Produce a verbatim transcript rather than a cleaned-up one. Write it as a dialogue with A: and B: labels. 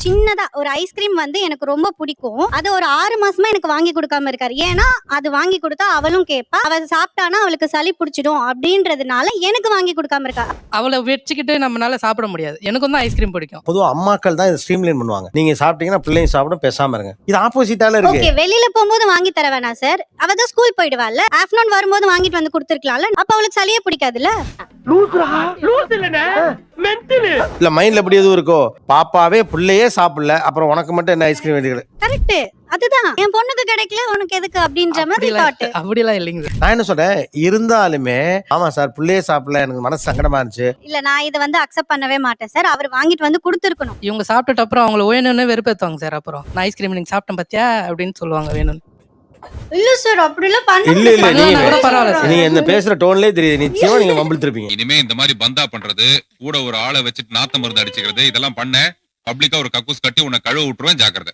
A: சின்னதா ஒரு ஐஸ்கிரீம் வந்து எனக்கு ரொம்ப பிடிக்கும். அது ஒரு ஆறு மாசமா எனக்கு வாங்கி கொடுக்காம இருக்காரு. ஏன்னா அது வாங்கி கொடுத்தா அவளும் கேட்பா, அவ சாப்பிட்டானா அவளுக்கு சளி பிடிச்சிடும் அப்படின்றதுனால எனக்கு வாங்கி கொடுக்காம இருக்கா.
B: அவளை வச்சுக்கிட்டு நம்மளால சாப்பிட முடியாது. எனக்கும் தான் ஐஸ்கிரீம் பிடிக்கும்.
C: பொதுவா அம்மாக்கள் தான் இதை ஸ்ட்ரீம்லைன் பண்ணுவாங்க. நீங்க சாப்பிட்டீங்கன்னா பிள்ளைங்க சாப்பிடும், பேசாம இருங்க. இது ஆப்போசிட்டால இருக்கு.
A: ஓகே, வெளியில போகும்போது வாங்கி தர வேணாம் சார். அவ தான் ஸ்கூல் போயிடுவாள்ல, ஆஃப்டர்நூன் வரும்போது வாங்கிட்டு வந்து கொடுத்துருக்கலாம்ல. அப்ப அவளுக்கு சளியே பிடிக்காதுல்ல.
C: இல்ல மைண்ட்ல எப்படி எதுவும் இருக்கோ, பாப்பாவே பிள்ளையே சாப்பிடல, அப்புறம் உனக்கு மட்டும் என்ன ஐஸ்கிரீம் வேண்டியது?
A: கரெக்ட், அதுதான் என் பொண்ணுக்கு கிடைக்கல உனக்கு எதுக்கு அப்படின்ற மாதிரி தாட்.
B: அப்படிலாம் இல்லைங்க.
C: நான் என்ன சொல்றேன், இருந்தாலுமே ஆமா சார் பிள்ளையே சாப்பிடல, எனக்கு மனசு சங்கடமா இருந்துச்சு.
A: இல்ல நான் இதை வந்து அக்செப்ட் பண்ணவே மாட்டேன் சார். அவர் வாங்கிட்டு வந்து கொடுத்துருக்கணும்.
B: இவங்க சாப்பிட்டுட்டு அப்புறம் அவங்கள வேணும்னு வெறுப்பேற்றுவாங்க சார். அப்புறம் நான் ஐஸ்கிரீம் நீங்க சாப்பிட்டேன் பாத்தியா அப்படின்னு சொல்லுவாங்க வேணும்னு.
A: இல்ல சார் அப்படி எல்லாம் பண்ண
C: இல்ல இல்ல
B: பண்ணலன்னா கூட பரவாயில்ல
C: நீங்க
B: சார்.
C: நீங்க இந்த பேசுற டோன்லயே தெரியுது, நிச்சயமா நீங்க மம்பிள்த்திருப்பீங்க.
D: இனிமே இந்த மாதிரி பந்தா பண்றது, கூட ஒரு ஆளை வச்சுட்டு நாத்த மருந்து அடிச்சுக்கிறது, இதெல்லாம் பண்ண பப்ளிக்கா ஒரு கக்கூஸ் கட்டி உன்னை கழுவ விட்டுருவேன், ஜாக்கிரதை.